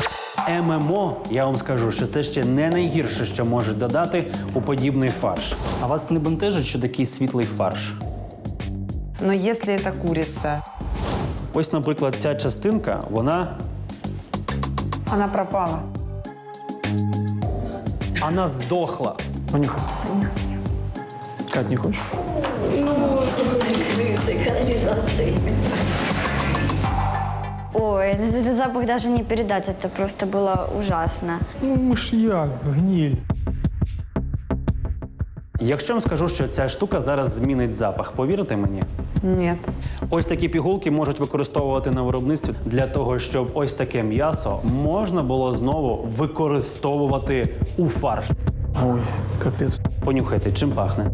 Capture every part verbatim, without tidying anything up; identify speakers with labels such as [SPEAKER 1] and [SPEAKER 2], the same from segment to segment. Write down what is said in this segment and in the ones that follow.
[SPEAKER 1] ем ем о, я вам скажу, що це ще не найгірше, що можуть додати у подібний фарш. А вас не бентежить, що такий світлий фарш?
[SPEAKER 2] Но если это курица,
[SPEAKER 1] Ось, наприклад, ця частинка, вона,
[SPEAKER 2] она пропала.
[SPEAKER 1] вона здохла.
[SPEAKER 3] Понюхай. Кать, не хочешь?
[SPEAKER 4] Ой, этот, этот запах даже не передать, это просто было ужасно.
[SPEAKER 3] Ну, мышьяк, гниль.
[SPEAKER 1] Якщо я вам скажу, що ця штука зараз змінить запах, повірите мені?
[SPEAKER 2] Нет.
[SPEAKER 1] Ось такі пігулки можуть використовувати на виробництві для того, щоб ось таке м'ясо можна було знову використовувати у фарш.
[SPEAKER 3] Ой, капец.
[SPEAKER 1] Понюхайте, чим пахне.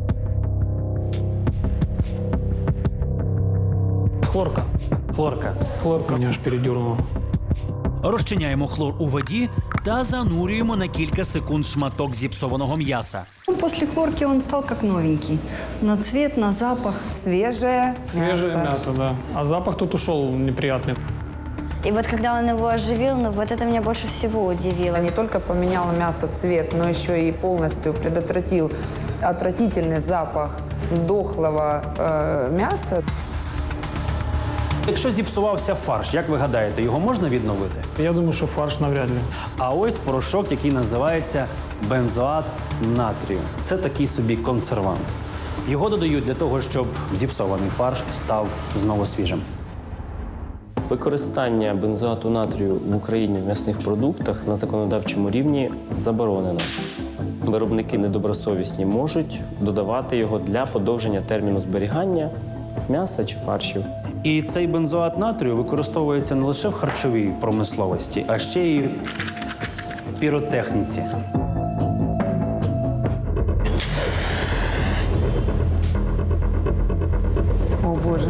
[SPEAKER 3] Хлорка.
[SPEAKER 1] Хлорка.
[SPEAKER 3] Хлорка. Меня аж передернуло.
[SPEAKER 5] Розчиняємо хлор у воді та занурюємо на кілька секунд шматок зіпсованого м'яса.
[SPEAKER 6] Ну, после хлорки он стал как новенький. На цвет, на запах.
[SPEAKER 2] Свежее,
[SPEAKER 3] Свежее
[SPEAKER 2] мясо.
[SPEAKER 3] мясо, да. А запах тут ушел неприятный.
[SPEAKER 4] И вот когда он его оживил, ну вот это меня больше всего удивило.
[SPEAKER 2] Не только поменял мясо цвет, но еще и полностью предотвратил отвратительный запах дохлого э, мяса.
[SPEAKER 1] Якщо зіпсувався фарш, як ви гадаєте, його можна відновити?
[SPEAKER 3] Я думаю, что фарш навряд ли.
[SPEAKER 1] А ось порошок, який називається бензоат натрію. Це такий собі консервант. Його додають для того, щоб зіпсований фарш став знову свіжим.
[SPEAKER 7] Використання бензоату натрію в Україні в м'ясних продуктах на законодавчому рівні заборонено. Виробники недобросовісні можуть додавати його для подовження терміну зберігання м'яса чи фаршів.
[SPEAKER 1] І цей бензоат натрію використовується не лише в харчовій промисловості, а ще й в піротехніці.
[SPEAKER 2] О, Боже.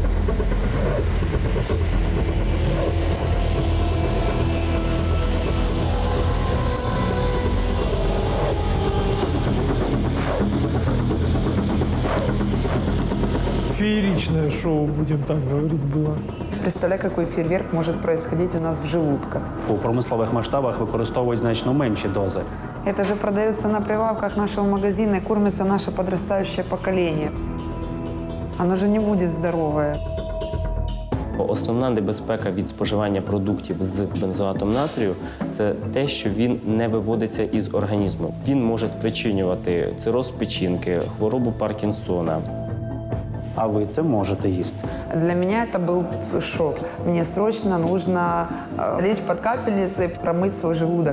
[SPEAKER 3] Фееричное шоу, будем так говорить, было.
[SPEAKER 2] Представляй, какой фейерверк может происходить у нас в желудках.
[SPEAKER 1] У промислових масштабах використовують значно менші дози.
[SPEAKER 2] Это же продается на прилавках нашего магазина и кормится наше подрастающее поколение. Оно же не будет здоровое.
[SPEAKER 7] Основна небезпека від споживання продуктів з бензоатом натрію – це те, що він не виводиться із організму. Він може спричинювати цироз печінки, хворобу Паркінсона.
[SPEAKER 1] А ви це можете їсти.
[SPEAKER 2] Для меня это был шок. Мне срочно нужно э, лечь под капельницей, промыть свой желудок.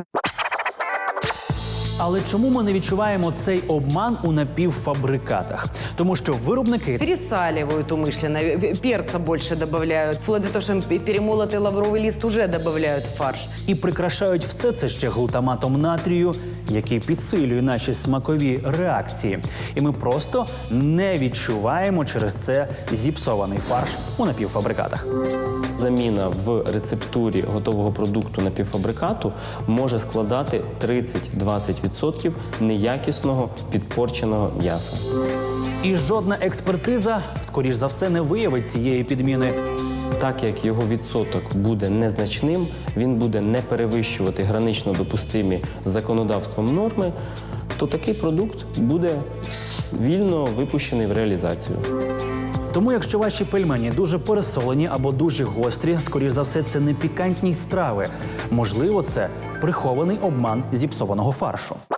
[SPEAKER 1] Але чому ми не відчуваємо цей обман у напівфабрикатах? Тому що виробники
[SPEAKER 8] Пересаливают умышленно, перца больше добавляют, вплоть до того, что перемолотый лавровый лист уже добавляют в фарш.
[SPEAKER 1] і прикрашають все це ще глутаматом натрію, який підсилює наші смакові реакції. І ми просто не відчуваємо через це зіпсований фарш у напівфабрикатах.
[SPEAKER 7] Заміна в рецептурі готового продукту напівфабрикату може складати тридцять-двадцять відсотків неякісного підпорченого м'яса.
[SPEAKER 1] І жодна експертиза, скоріш за все, не виявить цієї підміни.
[SPEAKER 7] Так як його відсоток буде незначним, він буде не перевищувати гранично допустимі законодавством норми, то такий продукт буде вільно випущений в реалізацію.
[SPEAKER 1] Тому якщо ваші пельмені дуже пересолені або дуже гострі, скоріш за все, це не пікантні страви. Можливо, це прихований обман зіпсованого фаршу.